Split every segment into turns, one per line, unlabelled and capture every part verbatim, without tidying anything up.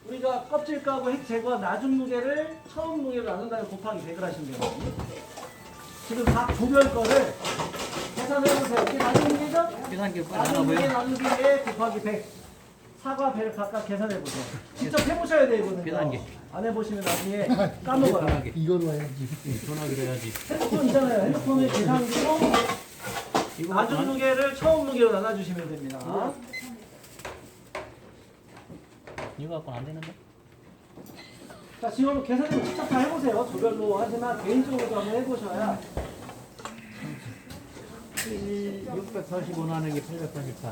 우리가 껍질 까고 핵 제거한 나중 무게를 처음 무게로 나눈 다음에 곱하기 백을 하시면 돼요. 지금 각 조별 거를 계산해보세요. 이게 나중 무게죠?
계산기 빨리
나중 무게
나눠보여.
나누기 에 곱하기 백. 사과 배를 각각 계산해보세요. 직접 해보셔야 돼요, 이거는.
계산기.
안 해보시면 나중에 까먹어요.
전화기.
이걸로 해야지.
전화기로 해야지.
핸드폰 있잖아요. 핸드폰의 계산기로
이거
나중
안-
무게를 처음 무게로 나눠주시면 됩니다.
이거 갖고는 안 되는데?
자, 지금 계산을 직접 다 해보세요. 조별로 하지만 개인적으로도 한번 해보셔야.
육백사십오 나누기 팔백팔십사.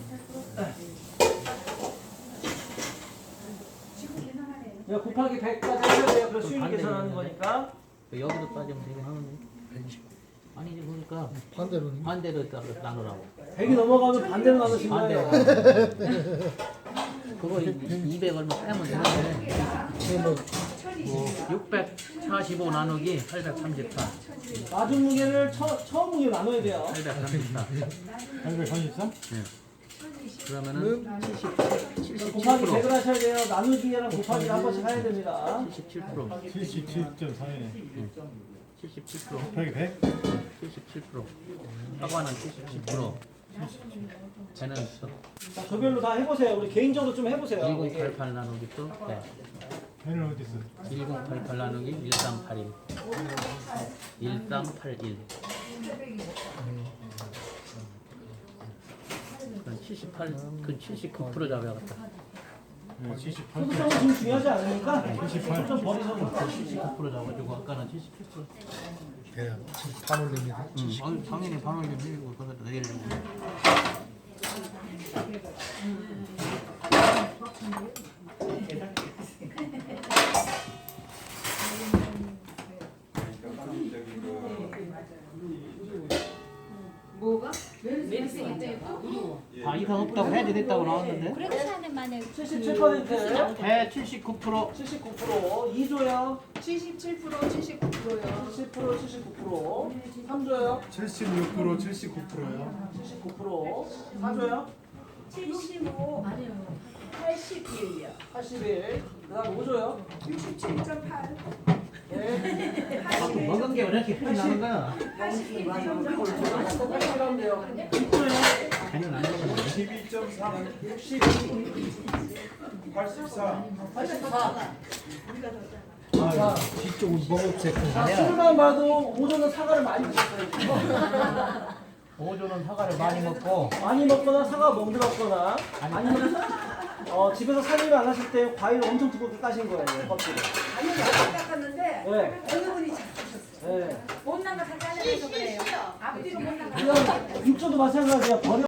이거 곱하기 백까지 하셔야 돼요. 그래서 수익
반대
계산하는
있는데?
거니까.
여기로 따지면 되긴 하는데. 아니지 그러니까
반대로는.
반대로 따- 나누라고.
백이 넘어가면 반대로 나누신
반대로.
거예요.
그거 이백 얼마 빼면 되는데.
그러면
뭐 육백사십오 나누기 팔백삼십사.
나중 무게를 처, 처음 무게로 나눠야 돼요.
팔백삼십사.
팔백삼십삼?
네. 그러면은 칠십칠
곱하기 백을
퍼센트.
하셔야 돼요. 나누기랑 곱하기 한 번씩 해야 됩니다.
칠십칠 퍼센트.
칠십칠 점 사이네.
칠십칠 퍼센트.
곱하기 백?
칠십칠 퍼센트. 사과는 칠십칠 퍼센트. 쟤는
자, 조별로 다 해보세요. 우리 개인적으로 좀 해보세요.
일공팔팔 나누기 또 네.
배는 어디 있어?
일공팔팔 나누기 일삼팔일. 일삼팔일. 그건 칠십팔, 그건 칠십구 퍼센트 잡아야겠다.
네, 칠십팔.
소득성은 지금 중요하지 않으니까
칠십팔.
좀 버리셔도 돼요.
칠십구 퍼센트 잡아주고 아까는 칠십칠 퍼센트.
배야. 반 올립니다.
응, 아유, 당연히 반을 좀 밀고 거기다 내리려고.
뭐가? 멘스 있대요?
아 이상 없다고 해야지 됐다고 나왔는데.
그래도 사람만에
칠십칠 퍼센트,
배 칠십구 퍼센트.
칠십구 퍼센트, 이 조요.
칠십칠 퍼센트 칠십구 퍼센트요.
칠십 퍼센트, 칠십구 퍼센트, 삼 조요.
칠십육 퍼센트, 칠십구 퍼센트요.
칠십구 퍼센트, 사 조요.
칠십오 팔십일이요.
팔십일, 그 다음 오 조요.
육십칠 점 팔
네.
먹은 게 왜 이렇게 흔히 나는 거야?
팔십일 점
똑같이 하면 돼요. 육 조요.
아니면 안 먹었네.
십이 점 삼.
육십이,
팔십사.
팔십사.
아, 뒤쪽은 먹었지.
자, 술만 봐도 오 조는 사과를 많이 드셨어요.
오조는 사과를 많이 먹고
많이 먹거나 사과 멍들었거나 아니면 어, 집에서 살림을 안 하실 때 과일을 엄청 두껍게 까신 거예요. 껍질을.
아니 안 깎았는데
네.
어느 분이 잡수셨어요.
네.
못난 거 다 잘라내서 그래요. 앞뒤로 못난 거.
그냥 육 조도 마찬가지야. 버려.